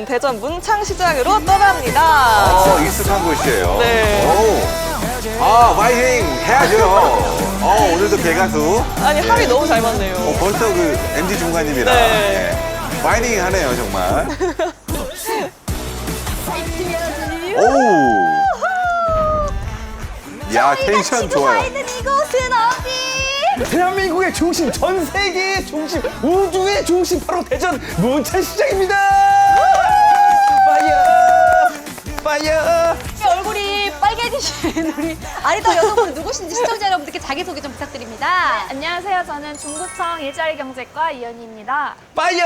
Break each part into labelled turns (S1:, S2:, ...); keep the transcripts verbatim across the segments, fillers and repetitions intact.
S1: 대전 문창시장으로 떠납니다.
S2: 어, 익숙한 곳이에요.
S1: 네.
S2: 오. 아, 파이팅 해야죠. 어, 오늘도 개가수.
S1: 아니,
S2: 네.
S1: 합이 너무 잘 맞네요.
S2: 어, 벌써 그 엠지 중관님이랑
S1: 네.
S2: 네. 파이팅 하네요, 정말. 오. 야, 텐션 좋아요.
S3: 이곳은 어디?
S4: 대한민국의 중심, 전 세계의 중심, 우주의 중심 바로 대전 문창시장입니다. 파이어, 파이어.
S3: 얼굴이 빨개지신 우리 아리따 여성분 누구신지 시청자 여러분들께 자기소개 좀 부탁드립니다.
S5: 안녕하세요. 저는 중구청 일자리 경제과 이연희입니다.
S4: 파이어,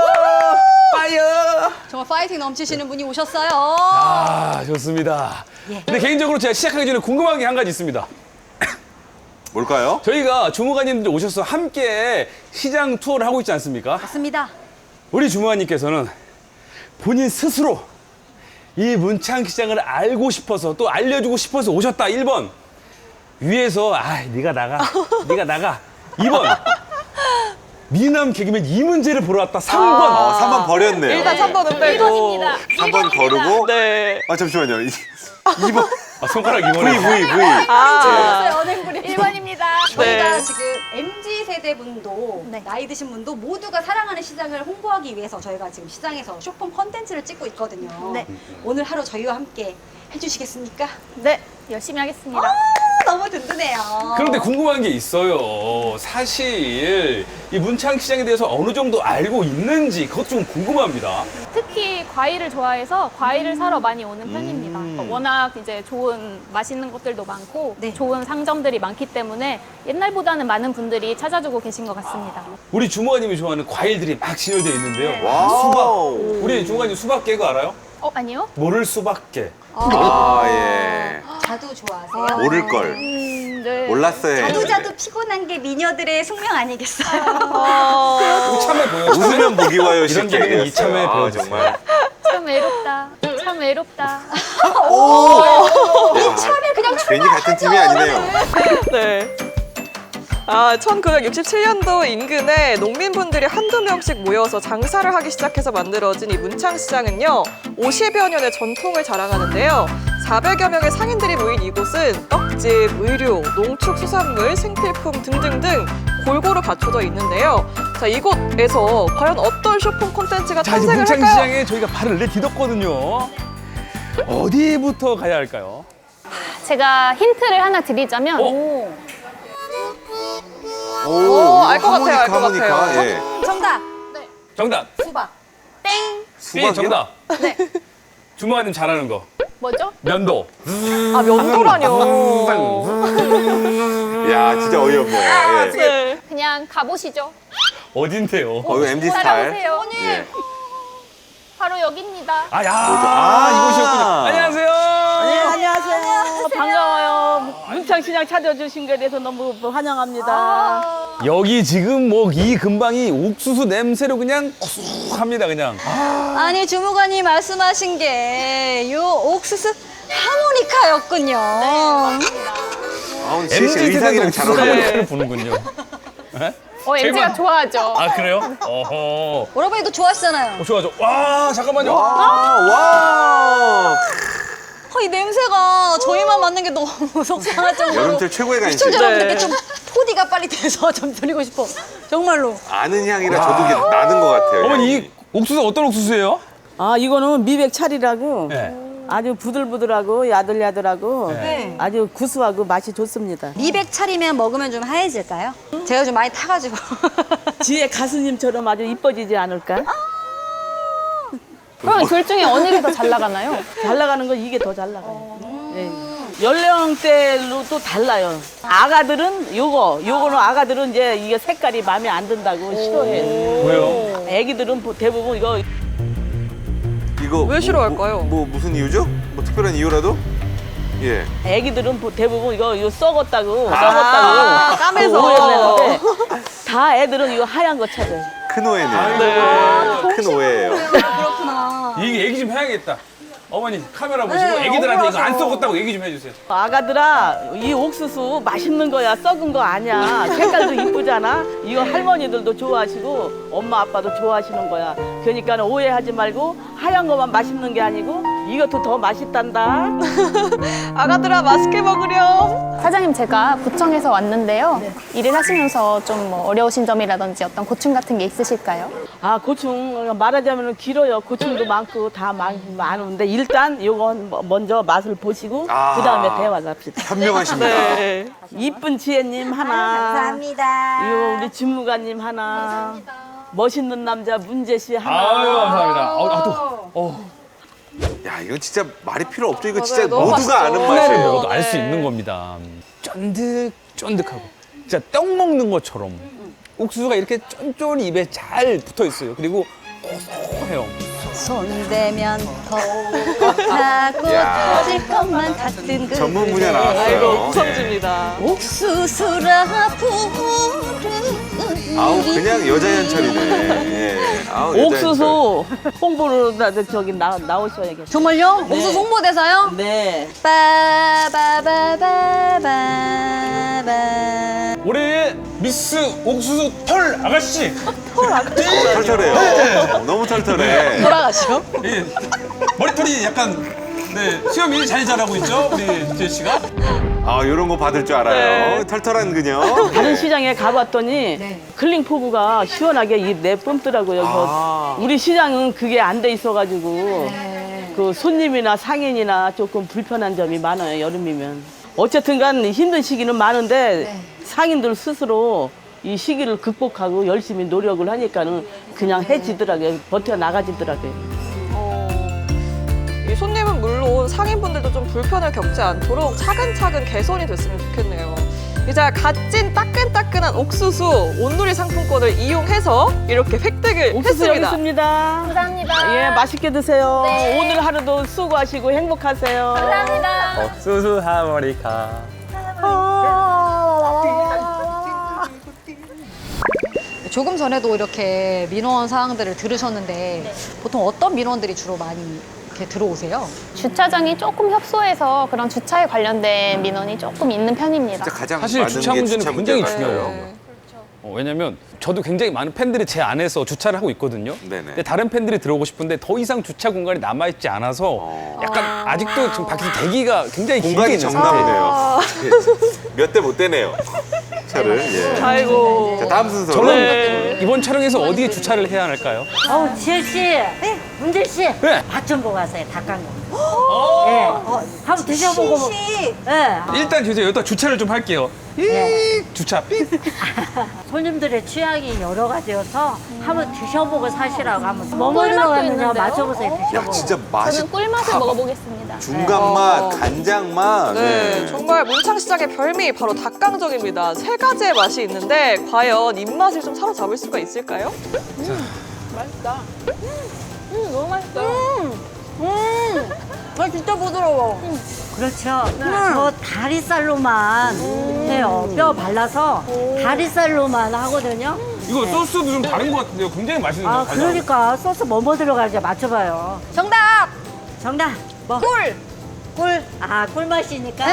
S4: 파이어.
S3: 정말 파이팅 넘치시는 분이 오셨어요.
S4: 아, 좋습니다.
S3: 예.
S4: 근데 개인적으로 제가 시작하기 전에 궁금한 게 한 가지 있습니다.
S2: 뭘까요?
S4: 저희가 주무관님들 오셔서 함께 시장 투어를 하고 있지 않습니까?
S3: 맞습니다.
S4: 우리 주무관님께서는 본인 스스로 이 문창시장을 알고 싶어서 또 알려주고 싶어서 오셨다. 일 번 위에서 아 네가 나가 네가 나가. 이 번 미남 개그맨 이문재를 보러 왔다. 삼 번
S2: 어, 삼 번 버렸네요.
S1: 일단 삼 번은 빼고.
S5: 일 번입니다.
S2: 삼 번 거르고.
S1: 네.
S2: 아, 잠시만요. 이 번.
S4: 아, 손가락 이
S2: V,
S4: 번에
S2: V, V.
S1: 아,
S3: 연예인분이
S5: 일 번입니다.
S3: 저희가
S1: 네.
S3: 지금 엠지 세대 분도
S5: 네.
S3: 나이 드신 분도 모두가 사랑하는 시장을 홍보하기 위해서 저희가 지금 시장에서 쇼폼 컨텐츠를 찍고 있거든요.
S5: 네.
S3: 오늘 하루 저희와 함께 해주시겠습니까?
S5: 네, 열심히 하겠습니다.
S3: 아, 너무 든든해요.
S4: 그런데 궁금한 게 있어요. 사실 이 문창시장에 대해서 어느 정도 알고 있는지 그것 좀 궁금합니다.
S5: 특히 과일을 좋아해서 과일을 사러 많이 오는 편입니다.
S2: 음.
S5: 워낙 이제 좋은 맛있는 것들도 많고
S3: 네.
S5: 좋은 상점들이 많기 때문에 옛날보다는 많은 분들이 찾아주고 계신 것 같습니다.
S4: 우리 주무관님이 좋아하는 과일들이 막 진열되어 있는데요.
S2: 와우.
S4: 수박. 우리 주무관님 수박깨고 알아요?
S5: 어, 아니요?
S4: 모를 수박깨.
S2: 아, 예.
S3: 자두 좋아하세요?
S2: 모를걸.
S5: 음, 네.
S2: 몰랐어요.
S3: 자두 자두 피곤한 게 미녀들의 숙명 아니겠어요?
S1: 어,
S4: 참에 보여요.
S2: 웃으면 복이 와요,
S4: 이런
S2: 쉽게
S4: 개그는
S2: 얘기했어요.
S4: 이참에
S2: 아,
S4: 배워주세요.
S2: 정말.
S5: 참 외롭다. 참 외롭다.
S3: 이참에 그냥
S2: 괜히 같은 팀이 아니네요.
S1: 네. 아, 천구백육십칠 년도 인근에 농민분들이 한두 명씩 모여서 장사를 하기 시작해서 만들어진 이 문창시장은요, 오십여 년의 전통을 자랑하는데요. 사백여 명의 상인들이 모인 이곳은 떡집, 의류, 농축수산물, 생필품 등등등 골고루 갖춰져 있는데요. 자, 이곳에서 과연 어떤 쇼핑 콘텐츠가
S4: 자, 이제
S1: 탄생을 할까요?
S4: 문창시장에 저희가 발을 내디뎠거든요. 어디부터 가야 할까요?
S5: 제가 힌트를 하나 드리자면
S4: 어?
S2: 오,
S1: 알것 같아요, 알것
S2: 하모니카,
S1: 같아요.
S2: 하모니카. 예.
S3: 정답
S4: 정답.
S3: 수박.
S5: 땡!
S4: 삐
S2: 수박이요?
S4: 정답.
S5: 네.
S4: 주무관님 잘하는 거.
S5: 뭐죠?
S4: 면도.
S1: 아, 면도라뇨.
S2: 야, 진짜 어이없네요. 예.
S1: 네.
S5: 그냥 가보시죠.
S4: 어딘데요?
S2: 어, 이거 엠지 스타일.
S5: 따라오세요.
S2: 예.
S5: 바로 여기입니다.
S4: 아, 야,
S2: 아.
S4: 이곳이었군요. 안녕하세요.
S6: 네, 안녕하세요. 반가워요. 문창시장 찾아주신 거에 대해서 너무 환영합니다.
S4: 여기 지금 뭐 이 근방이 옥수수 냄새로 그냥 쑥합니다, 그냥.
S3: 아니 주무관이 말씀하신 게 요 옥수수 하모니카였군요.
S2: 아, 오늘
S4: 엠지
S2: 진짜 의상이랑
S4: 세대도
S2: 잘
S4: 옥수수
S2: 어울려요.
S4: 하모니카를 부는군요.
S5: 어, 엠지가 좋아하죠.
S4: 아, 그래요? 어허.
S3: 오라버니도 좋아하시잖아요.
S4: 어, 좋아, 좋아. 와, 잠깐만요.
S2: 와, 와.
S3: 어, 이 냄새가 저희만 맡는 게 너무 속상할 정도로
S2: 여름철 최고의 간식.
S3: 시청자 여러분들께
S1: 네.
S3: 좀 토디가 빨리 돼서 좀 드리고 싶어. 정말로.
S2: 아는 향이라 저도 이게 나는 것 같아요.
S4: 어머니,
S2: 향이.
S4: 이 옥수수 어떤 옥수수예요?
S6: 아, 이거는 미백 찰이라고
S4: 네.
S6: 아주 부들부들하고 야들야들하고
S4: 네.
S6: 아주 구수하고 맛이 좋습니다.
S3: 미백 차리면 먹으면 좀 하얘질까요? 제가 좀 많이 타가지고.
S6: 지혜 가수님처럼 아주 이뻐지지 않을까?
S5: 그럼 둘 중에 어느 게 더 잘 나가나요?
S6: 잘 나가는 건 이게 더 잘 나가요. 네. 연령대로 또 달라요. 아가들은 요거, 요거는 아가들은 이제 이게 색깔이 마음에 안 든다고 싫어해요.
S4: 왜요?
S6: 애기들은 보- 대부분 이거
S2: 이거
S1: 왜 싫어할까요?
S2: 뭐, 뭐 무슨 이유죠? 뭐 특별한 이유라도? 예.
S6: 애기들은 보- 대부분 이거 이거 썩었다고
S1: 아,
S6: 썩었다고
S1: 까매서.
S6: 오해내는데 다 애들은 이거 하얀 거 찾아요.
S2: 큰 오해네요.
S1: 네.
S2: 큰 오해예요.
S3: 그렇구나.
S4: 이 얘기 좀 해야겠다. 어머니 카메라 보시고
S3: 네,
S4: 애기들한테 이거 안
S3: 억울하죠.
S4: 썩었다고 얘기 좀 해주세요.
S6: 아가들아, 이 옥수수 맛있는 거야, 썩은 거 아니야. 색깔도 이쁘잖아. 이거 할머니들도 좋아하시고 엄마 아빠도 좋아하시는 거야. 그러니까 오해하지 말고 하얀 거만 맛있는 게 아니고 이것도 더 맛있단다.
S1: 아가들아 맛있게 먹으렴.
S5: 사장님, 제가 구청에서 왔는데요. 일을 하시면서 좀 뭐 어려우신 점이라든지 어떤 고충 같은 게 있으실까요?
S6: 아, 고충 말하자면 길어요. 고충도 많고 다 많, 많은데 일단 이건 뭐- 먼저 맛을 보시고
S2: 아.
S6: 그 다음에 대화 납시다.
S2: 현명하십니다.
S1: 네.
S6: 이쁜 지혜님 하나.
S3: 감사합니다.
S6: 이거 우리 주무관님 하나. 멋있는 남자 문재 씨 하나.
S4: 아유 감사합니다. 아, 아, 또 어,
S2: 야, 이거 진짜 말이 필요 없죠. 이거
S1: 맞아요.
S2: 진짜
S1: 너무
S2: 모두가
S1: 맛있죠.
S2: 아는
S4: 하나를
S2: 맛이에요.
S4: 먹어도 알 수
S1: 네.
S4: 있는 겁니다. 쫀득 쫀득하고 진짜 떡 먹는 것처럼 옥수수가 이렇게 쫀쫀히 입에 잘 붙어 있어요. 그리고 고소해요.
S3: 손대면 더욱하고
S2: 야.
S3: 터질 것만 같은 그
S2: 전문 분야
S1: 아이고
S2: 나왔어요.
S1: 우성주입니다.
S3: 옥수수라 부르는
S2: 아우, 그냥 여자 연철이네. 예. 아우, 여자 연철.
S6: 옥수수 홍보로 나 저기 나, 나오셔야겠어요.
S3: 정말요?
S6: 네.
S3: 옥수수 홍보대사요?
S6: 네.
S3: 빠바바바바바
S4: 올해의 미스 옥수수 털 아가씨.
S2: 어, 털털해요. 너무 털털해.
S3: 돌아가시오.
S4: 예, 머리털이 약간 네 수염이 잘 자라고 있죠 우리 지혜 씨가.
S2: 아, 이런 거 받을 줄 알아요.
S1: 네.
S2: 털털한 그녀.
S6: 다른
S2: 네.
S6: 시장에 가봤더니 클링 포구가 시원하게 입내 뿜더라고요. 그래서
S2: 아.
S6: 우리 시장은 그게 안 돼 있어가지고 그 손님이나 상인이나 조금 불편한 점이 많아요. 여름이면. 어쨌든간 힘든 시기는 많은데 상인들 스스로 이 시기를 극복하고 열심히 노력을 하니까는 그냥 해지더라고요. 버텨 나가지더라고요.
S1: 어, 이 손님은 물론 상인분들도 좀 불편을 겪지 않도록 차근차근 개선이 됐으면 좋겠네요. 이제 갓진 따끈따끈한 옥수수 온누리 상품권을 이용해서 이렇게 획득을
S6: 옥수수 여기
S1: 했습니다.
S6: 있습니다.
S5: 감사합니다.
S6: 예, 맛있게 드세요.
S5: 네.
S6: 오늘 하루도 수고하시고 행복하세요.
S5: 감사합니다.
S4: 옥수수 하모니카.
S3: 조금 전에도 이렇게 민원 사항들을 들으셨는데 보통 어떤 민원들이 주로 많이 이렇게 들어오세요?
S5: 주차장이 조금 협소해서 그런 주차에 관련된 민원이 조금 있는 편입니다.
S2: 진짜 가장
S4: 사실
S2: 많은
S4: 주차
S2: 게
S4: 문제는
S2: 주차
S4: 굉장히
S2: 문제 같아요.
S4: 중요해요. 어, 왜냐면 저도 굉장히 많은 팬들이 제 안에서 주차를 하고 있거든요.
S2: 네네.
S4: 근데 다른 팬들이 들어오고 싶은데 더 이상 주차 공간이 남아있지 않아서
S2: 어.
S4: 약간 아직도 지금 밖에서 대기가 굉장히 길게
S2: 공간이
S4: 있는 상태예요.
S2: 정답이네요. 몇 대 못 대네요. 차를. 예.
S1: 아이고.
S2: 자, 다음 순서로.
S4: 저는
S1: 네.
S4: 이번 촬영에서 어디에 주차를 해야 할까요?
S7: 어우, 지혜 씨, 네, 문재 씨,
S4: 네.
S7: 맛 좀 보고 가세요. 닭강정. 예, 어, 한번 드셔보고. 뭐- 예,
S4: 일단 주세요. 여기다 주차를 좀 할게요. 이
S7: 네.
S4: 주차 삑.
S7: 손님들의 취향이 여러 가지여서 한번 드셔보고 사시라고 한번 뭐뭐
S5: 꿀맛도
S7: 들어갔느냐
S5: 있는데요?
S7: 맞춰보세요.
S2: 야,
S7: 드셔보고.
S2: 진짜 맛이
S5: 저는 꿀맛을
S2: 다
S5: 먹어보겠습니다.
S2: 중간 맛, 간장 맛.
S1: 네,
S2: 네.
S1: 정말 문창시장의 별미 바로 닭강정입니다. 세 가지의 맛이 있는데 과연 입맛을 좀 사로잡을 수가 있을까요?
S3: 맛있다. 음, 너무 맛있다. 음, 아, 진짜 부드러워.
S7: 그렇죠. 저 다리살로만 해요. 뼈 발라서 다리살로만 하거든요.
S4: 이거 소스도 좀 다른 것 같은데요. 굉장히 맛있는데요.
S7: 아, 그러니까 소스 뭐뭐 들어가는지 맞춰봐요.
S3: 정답!
S7: 정답. 뭐?
S3: 꿀!
S7: 꿀. 아, 꿀맛이니까.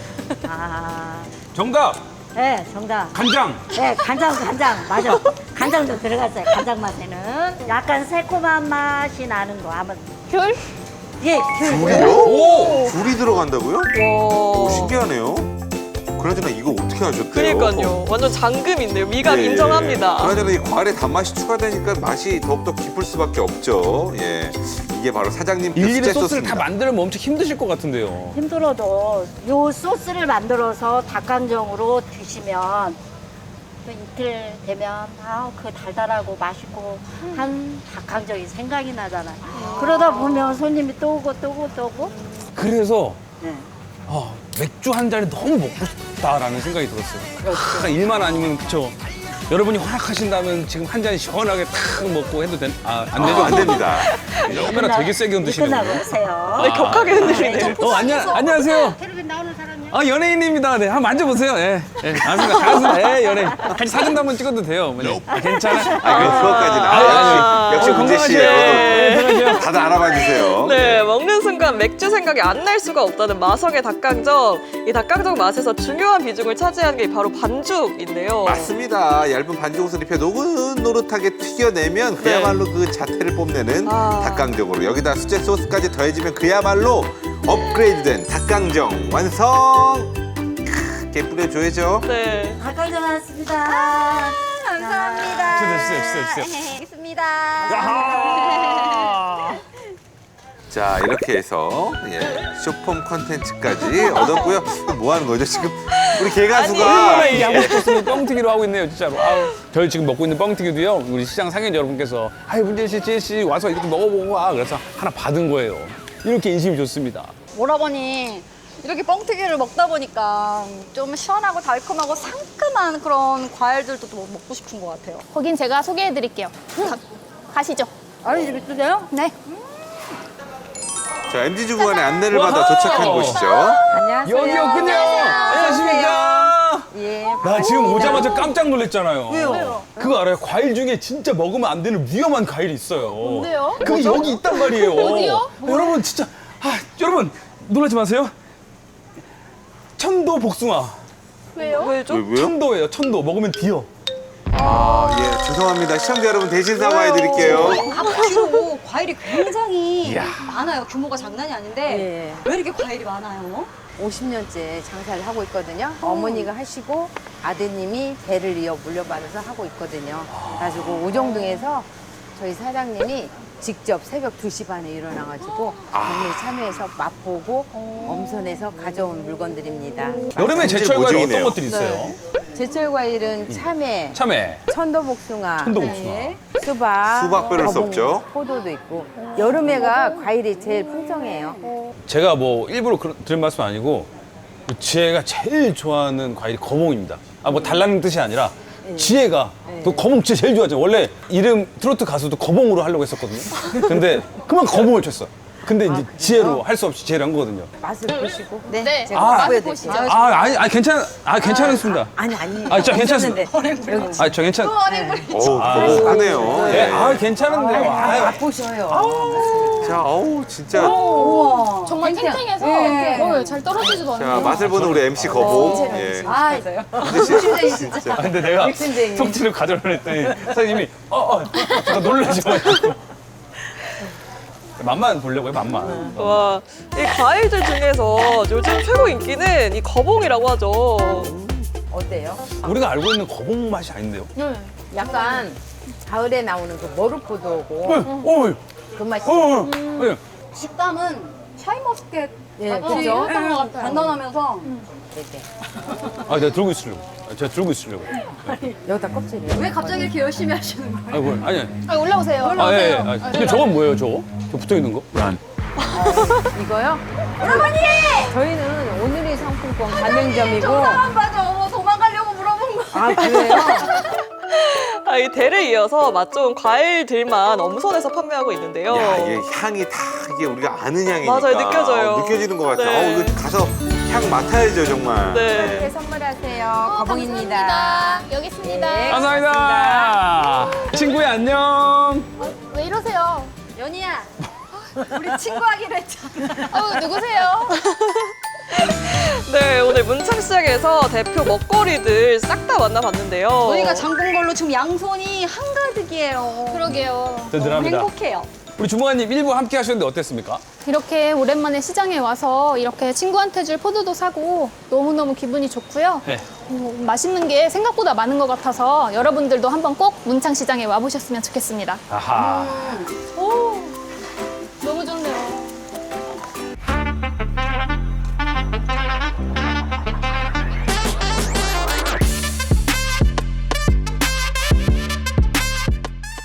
S7: 아,
S4: 정답
S7: 네, 정답.
S4: 간장.
S7: 네, 간장, 간장. 맞아. 간장도 들어갔어요. 간장 맛에는. 약간 새콤한 맛이 나는 거. 한번.
S5: 귤?
S7: 예, 귤.
S2: 굴이요?
S4: 오.
S2: 굴이 들어간다고요? 오,
S1: 와.
S2: 신기하네요. 그나저나 이거 어떻게 하셨대요?
S1: 그러니까요. 완전 장금인데요. 미감
S2: 예, 예.
S1: 인정합니다.
S2: 그나저나 이 과일에 단맛이 추가되니까 맛이 더욱더 깊을 수밖에 없죠. 예, 이게 바로 사장님
S4: 일일이
S2: 특제
S4: 소스를 다
S2: 소스입니다.
S4: 만들면 엄청 힘드실 것 같은데요.
S7: 힘들어도 요 소스를 만들어서 닭강정으로 드시면 또 이틀 되면 아우 그 달달하고 맛있고 한 닭강정이 생각이 나잖아요. 그러다 보면 손님이 또 오고 또 오고 또 오고.
S4: 그래서
S7: 네.
S4: 아, 맥주 한 잔이 너무 먹고 싶다라는 생각이 들었어요. 그러니까 일만 아니면 그쵸. 여러분이 허락하신다면 지금 한 잔 시원하게 탁 먹고 해도 된? 아, 안 되죠?
S2: 아, 안 됩니다.
S4: 카메라 되게 세게 흔드시네요.
S7: 끝나고 오세요.
S1: 네, 격하게 흔들리네요.
S4: 어, 안녕, 안녕하세요.
S7: 텔레비전 나오는 사람이요?
S4: 아, 연예인입니다. 네, 한번 만져보세요. 예. 예, 반갑습니다. 반갑습니다. 예, 연예인. 같이 사진도 한번 찍어도 돼요. 어머니. 아, 괜찮아.
S2: 아, 그 그것까지는.
S1: 아,
S2: 아, 역시, 역시
S4: 어,
S2: 문재
S4: 건강하세요.
S2: 씨예요.
S4: 예, 들어가세요.
S2: 다들 알아봐 주세요.
S1: 네, 먹는 순간 순간 맥주 생각이 안 날 수가 없다는 마성의 닭강정. 이 닭강정 맛에서 중요한 비중을 차지하는 게 바로 반죽인데요.
S2: 맞습니다. 얇은 반죽옷을 입혀 노릇노릇하게 튀겨내면 그야말로 그 자태를 뽐내는
S1: 아.
S2: 닭강정으로 여기다 수제 소스까지 더해지면 그야말로 업그레이드된 닭강정 완성! 이렇게 뿌려줘야죠.
S1: 네.
S7: 닭강정 왔습니다. 감사합니다.
S4: 주세요, 주세요, 주세요, 주세요.
S7: 알겠습니다.
S4: 아하!
S2: 자, 이렇게 해서 예, 쇼폼 컨텐츠까지 얻었고요. 뭐 하는 거죠, 지금? 우리 개가수가
S4: 얼마나 이 양복코스로 뻥튀기로 하고 있네요, 진짜로. 아우, 저희 지금 먹고 있는 뻥튀기도요, 우리 시장 상인 여러분께서 아이, 문재 씨, 지혜 씨 와서 이렇게 먹어보고 와. 그래서 하나 받은 거예요. 이렇게 인심이 좋습니다.
S3: 오라버니 이렇게 뻥튀기를 먹다 보니까 좀 시원하고 달콤하고 상큼한 그런 과일들도 또 먹고 싶은 것 같아요.
S5: 거긴 제가 소개해드릴게요. 가, 가시죠.
S7: 아니, 집 있으세요?
S5: 네.
S2: 자, 엠지주부관의 안내를 받아
S4: 와우.
S2: 도착한 곳이죠.
S7: 안녕하세요.
S4: 여기였군요. 안녕하십니까.
S7: 예.
S4: 나 지금 오자마자 깜짝 놀랐잖아요.
S7: 왜요?
S4: 그거 알아요? 과일 중에 진짜 먹으면 안 되는 위험한 과일이 있어요.
S5: 뭔데요?
S4: 그게 여기 있단 말이에요.
S5: 어디요?
S4: 여러분 진짜 아, 여러분 놀라지 마세요. 천도 복숭아.
S5: 왜요?
S1: 왜죠?
S2: 왜, 왜요?
S4: 천도예요. 천도 먹으면 뒤어.
S2: 아, 예, 죄송합니다. 시청자 여러분 대신 사과해드릴게요.
S3: 앞뒤로 과일이 굉장히 많아요. 규모가 장난이 아닌데
S8: 예.
S3: 왜 이렇게 과일이 많아요?
S8: 오십 년째 장사를 하고 있거든요. 어머니가 하시고 아드님이 대를 이어 물려받아서 하고 있거든요. 그래가지고 오정동에서 저희 사장님이 직접 새벽 두 시 반에 일어나가지고 경매 참여해서 맛보고 엄선해서 가져온 물건들입니다.
S4: 여름에 제철 과일 어떤
S2: 모종이네요.
S4: 것들이 있어요?
S8: 제철 과일은 참외,
S4: 참외,
S8: 천도복숭아,
S4: 천도복숭아.
S8: 네, 수박,
S2: 수박 빼놓을 수
S8: 거봉,
S2: 없죠.
S8: 포도도 있고 여름에가 과일이 제일 풍성해요.
S4: 제가 뭐 일부러 그런, 드린 말씀 아니고 지혜가 제일 좋아하는 과일이 거봉입니다. 아 뭐 달라는 뜻이 아니라 지혜가 또 거봉 진짜 제일 좋아하죠. 원래 이름 트로트 가수도 거봉으로 하려고 했었거든요. 근데 그만 거봉을 쳤어. 근데 이제 지혜로 할 수 없이 지혜를 한 거거든요.
S8: 맛을 보시고
S5: 네.
S8: 제가
S4: 아,
S8: 맛보여드릴게요.
S4: 아, 아니, 아니 괜찮, 아 괜찮습니다.
S8: 아니 아니.
S4: 아, 진짜 괜찮습니다.
S8: 여기
S4: 아, 저 괜찮.
S2: 어우, 거북하네요.
S4: 예,
S2: 예.
S4: 아 괜찮은데요. 아,
S8: 맛보셔요.
S2: 자, 어우, 진짜.
S5: 정말 탱탱해서 어, 잘 떨어지지도 않아요.
S2: 자, 맛을 보는 우리 엠씨 거북. 예.
S8: 아,
S2: 근데 시- 진짜.
S4: 아, 근데 내가
S8: 욕심쟁이.
S4: 속지를 가져오려 했더니 사장님이 어, 어, 제가 놀라셔가지고. 맛만 보려고요, 맛만.
S1: 와, 이 과일들 중에서 요즘 최고 인기는 이 거봉이라고 하죠.
S8: 어때요?
S4: 우리가 알고 있는 거봉 맛이 아닌데요?
S8: 약간 가을에 나오는 그 머루포도고
S4: 어, 어,
S8: 그 맛이.
S4: 어, 어, 예.
S3: 식감은 샤인머스켓
S8: 예,
S3: 같이
S8: 그죠?
S3: 단단하면서
S8: 네네.
S4: 아, 내가 들고 있으려고. 아, 제가 들고 있으려고.
S8: 여기다 껍질이요.
S3: 왜 갑자기 이렇게 열심히 하시는 거예요?
S4: 아이고, 아니, 아니.
S5: 아, 올라오세요.
S4: 아, 예, 예. 아, 근데 저건 뭐예요, 저거? 저 붙어 있는 거? 란.
S8: 이거요? 어머니! 저희는 오늘의 상품권 가맹점이고.
S3: 맞아, 어머 도망가려고 물어본 거.
S8: 아, 그래요?
S1: 아, 이 대를 이어서 맛 좋은 과일들만 엄선해서 판매하고 있는데요.
S2: 야, 이게 향이 다 이게 우리가 아는 향이니까.
S1: 맞아요, 느껴져요.
S2: 어, 느껴지는 것 같아요.
S1: 네.
S2: 어, 이거 가서 향 맡아야죠, 정말.
S1: 네.
S8: 선물하세요. 거봉입니다.
S5: 감사합니다. 여기 있습니다.
S8: 네.
S4: 감사합니다. 친구야, 안녕.
S5: 왜 이러세요?
S3: 연희야, 우리 친구하기로 했잖아.
S5: 어, 누구세요?
S1: 네, 오늘 문창시장에서 대표 먹거리들 싹 다 만나봤는데요.
S3: 저희가 장본 걸로 지금 양손이 한가득이에요.
S5: 그러게요.
S4: 든든합니다.
S3: 행복해요.
S4: 우리 주무관님 일부 함께 하셨는데 어땠습니까?
S5: 이렇게 오랜만에 시장에 와서 이렇게 친구한테 줄 포도도 사고 너무너무 기분이 좋고요.
S4: 네.
S5: 어, 맛있는 게 생각보다 많은 것 같아서 여러분들도 한번 꼭 문창시장에 와보셨으면 좋겠습니다.
S4: 아하.
S3: 오,